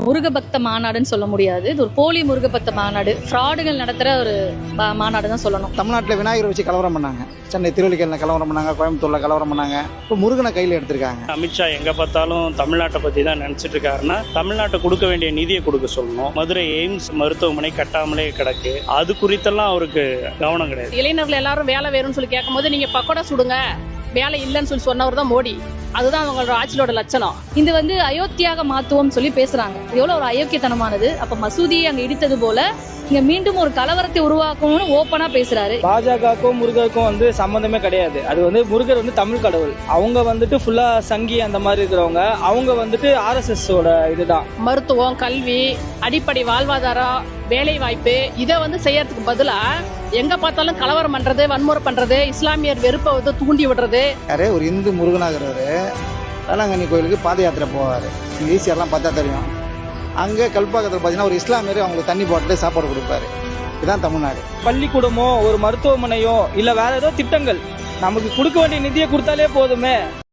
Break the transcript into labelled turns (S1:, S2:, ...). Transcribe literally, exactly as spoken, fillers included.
S1: முருக பக்த மாநாடுன்னு சொல்ல முடியாது. இது ஒரு போலி முருக பக்த மாநாடு, ஃப்ராடுகள் நடத்துகிற ஒரு மாநாடு தான் சொல்லணும்.
S2: தமிழ்நாட்டில் விநாயகரை வச்சு கலவரம் பண்ணாங்க, சென்னை திருவள்ளிக்கேணியில் கலவரம் பண்ணாங்க, கோயம்புத்தூரில் கலவரம் பண்ணாங்க. இப்போ முருகனை கையில் எடுத்திருக்காங்க.
S3: அமித்ஷா எங்கே பார்த்தாலும் தமிழ்நாட்டை பற்றி தான் நினச்சிட்டு இருக்காருன்னா தமிழ்நாட்டை கொடுக்க வேண்டிய நிதியை கொடுக்க சொல்லணும். மதுரை எய்ம்ஸ் மருத்துவமனை கட்டாமலே கிடக்கு, அது குறித்தெல்லாம் அவருக்கு கவனம் கிடையாது.
S4: இளைஞர்கள் எல்லாரும் வேலை வேணும்னு சொல்லி கேட்கும் போது நீங்க பக்கோடா சுடுங்க, வேலை இல்லைன்னு சொல்லி சொன்னவர் தான் மோடி. அதுதான் அவங்களோட ஆட்சியோட லட்சணம்.
S1: இது வந்து அயோத்தியாக மாத்துவோம் சொல்லி பேசுறாங்க. எவ்வளவு ஒரு அயோக்கியத்தனமானது. அப்ப மசூதியை அங்க இடித்தது போல இங்க மீண்டும் ஒரு கலவரத்தை உருவாக்கணும்னு ஓப்பனா பேசுறாரு.
S5: பாஜகவுக்கும் முருகருக்கும் வந்து சம்பந்தமே கிடையாது. அது வந்து முருகர் வந்து தமிழ் கடவுள், அவங்க வந்துட்டு ஃபுல்லா சங்கி அந்த மாதிரி இருக்கிறவங்க, அவங்க வந்துட்டு ஆர்எஸ்எஸ் ஓட இதுதான்.
S4: மருத்துவம், கல்வி, அடிப்படை வாழ்வாதாரம், வேலை வாய்ப்பு, இதை வந்து செய்யறதுக்கு பதிலா எங்க பார்த்தாலும் கலவரம் பண்றது, வன்முறை பண்றது, இஸ்லாமியர் வெறுப்பை வந்து தூண்டி விடுறது.
S2: யாரே ஒரு இந்து முருகனாகிறவர் வேளாங்கண்ணி கோயிலுக்கு பாத யாத்திரை போவார். இங்கே ஈஸியாரெலாம் பார்த்தா தெரியும். அங்கே கல்பாக்கத்தில் பார்த்தீங்கன்னா ஒரு இஸ்லாமியர் அவங்களுக்கு தண்ணி போட்டு சாப்பாடு கொடுப்பாரு. இதுதான் தமிழ்நாடு.
S5: பள்ளிக்கூடமோ ஒரு மருத்துவமனையோ இல்லை வேற ஏதோ திட்டங்கள் நமக்கு கொடுக்க வேண்டிய நிதியை கொடுத்தாலே போதுமே.